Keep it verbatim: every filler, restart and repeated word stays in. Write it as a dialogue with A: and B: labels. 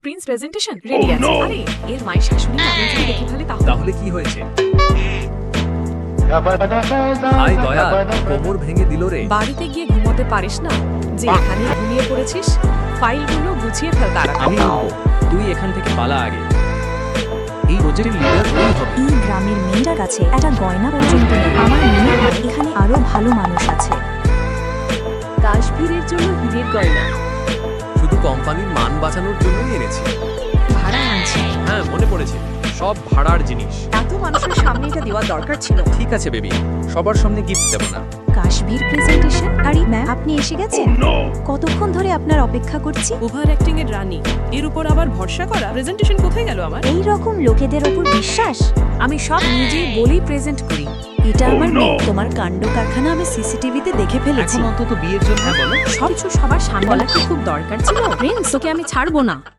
A: Prince presentation ready আছে। আরে এর মায়ের শাশুড়ি না যদি দেখে ফেলে তাহলে
B: তাহলে কি হয়েছে? হাই দয়া, কোমর ভেঙে দিল রে।
A: বাড়িতে গিয়ে ঘুমোতে পারিস না যে এখানে ঘুমিয়ে পড়েছিস? ফাইলগুলো গুছিয়ে ফেল তাড়াতাড়ি।
B: আমি উঠবো, তুই এখান থেকে পালা আগে। এই প্রজেক্টের লিডার তুই হবে।
C: এই গ্রামের মেয়েটার কাছে একটা গয়না পর্যন্ত নেই। আমার মনে হয় এখানে আরো ভালো মানুষ আছে।
A: কাশ্মীরের জন্য হীরের গয়না
B: শুধু কোম্পানির মান বাঁচানোর জন্যই এনেছি।
A: ভাড়া আনছি।
B: হ্যাঁ, মনে পড়েছে, সব ভাড়ার জিনিস।
A: এত মানুষের সামনে এটা দেওয়া দরকার ছিল।
B: ঠিক আছে বেবি, সবার সামনে গিফট দেবো না।
C: কাশ্মীর প্রেজেন্টেশন। আরে ম্যাম, আপনি এসে গেছেন? কতক্ষণ ধরে আপনার অপেক্ষা করছি।
A: ওভার অ্যাক্টিং এর রানী, এর উপর আবার ভরসা করা। প্রেজেন্টেশন কোথায় গেল আমার?
C: এই রকম লোকেদের ওপর বিশ্বাস?
A: আমি সব নিজেই বলেই প্রেজেন্ট করি।
C: এটা আমার মেয়ে। তোমার কাণ্ড কারখানা আমি সিসিটিভিতে দেখে ফেলেছি।
B: এখন অন্তত বিয়ের জন্য বলো।
A: সব কিছু সবার সামনে বলা কি খুব দরকার ছিল? প্রিন্স, তোকে আমি ছাড়বো না।